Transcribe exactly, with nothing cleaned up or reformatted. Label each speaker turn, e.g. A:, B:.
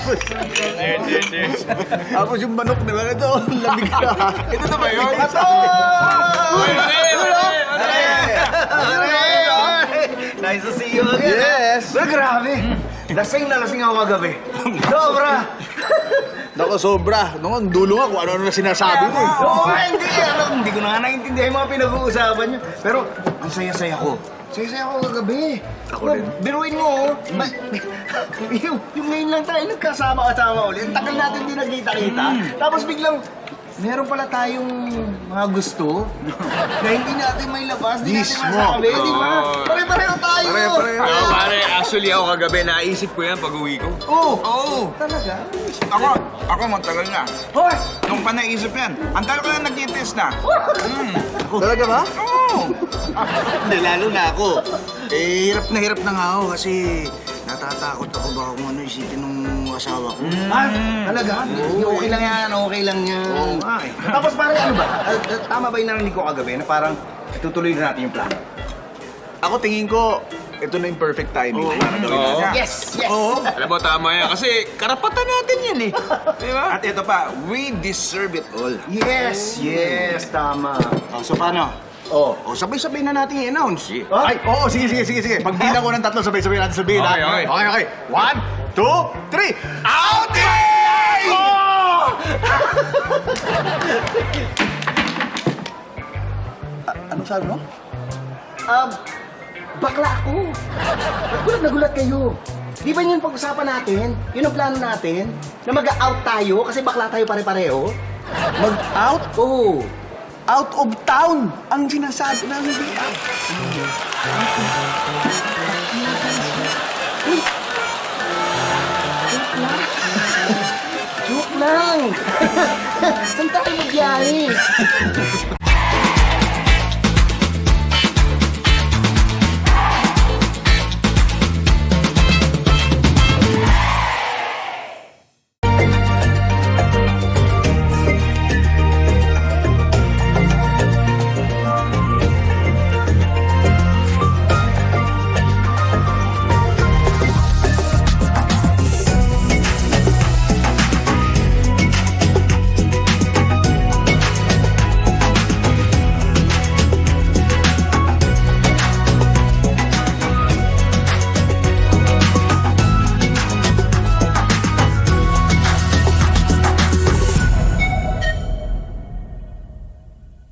A: Tapos,
B: Cheers, cheers, cheers.
A: tapos yung manok na lang ito, lamig na.
B: Ito na ba yun?
A: Ito!
B: Uy, mali, mali, mali.
C: Nice to see you again.
A: Yes!
C: Pero grabe. Lasing na lasing ako kagabi. Sobra.
A: Naku, sobra. Nung ang dulo nga kung ano-ano na sinasabi mo. eh.
C: Oo, hindi. Alam, hindi ko na nga naiintindihan yung mga pinag-uusapan niyo. Pero ang saya-saya ko. Saya-saya ako kagabi.
A: Ako
C: Bro,
A: rin.
C: Biruin mo, oh. Ma- yung, yung ngayon lang tayo nagkasama-kasama ulit. Ang tagal natin hindi nagkita-kita. Tapos biglang, meron pala tayong mga gusto na hindi natin may labas, hindi natin
A: Mismo.
C: masabi, di ba?
B: Oo.
C: Pare-pareho tayo.
A: Pare-pareho.
B: Oo, pare, actually ako kagabi, naisip ko yan pag uwi ko.
C: Oo.
B: Oo.
C: Talaga?
D: Ako, ako matagal na.
C: Hoy!
D: Nung pa naisip yan, ang tagal ko na nag-test na. Mm.
A: Talaga ba?
D: Oo.
A: Hindi, lalo na ako. Eh, hirap na hirap na nga ako kasi natatakot ako baka kung ano isipin ng asawa ko.
C: Ah, talaga? Hindi, okay lang yan, okay lang yan.
A: Oo nga eh.
C: Tapos pare, ano ba? Ah, ah, tama ba yung narinig ko kagabi na parang tutuloy na natin yung plano?
A: Ako tingin ko, ito na yung perfect timing. Para gawin
B: Oo.
A: natin.
C: Yes! Yes!
A: Oo.
B: Alam mo, tama yan. Kasi karapatan natin yan eh. Di ba?
D: At ito pa, we deserve it all.
C: Yes! Yes! Tama.
A: Oh, so paano?
C: Oh.
A: O, sabay-sabay na natin i-announce.
C: Ah?
A: Ay, oo, sige, sige, sige, sige. Pag bilang ko ng tatlo, sabay-sabay natin sabihin,
B: Okay,
A: ha?
B: okay.
A: Okay, okay. One, two, three.
B: Outing!
A: Oh! Ano sabi mo?
C: Um, bakla ako. Ba't gulat na gulat kayo? Di ba yun yung pag-usapan natin? Yun ang plano natin? Na mag-out tayo kasi bakla tayo pare-pareho?
A: Mag-out?
C: Oo.
A: Out of town ang sinasabi namin dito.
C: Joke lang. Saan tayo magbiyahe?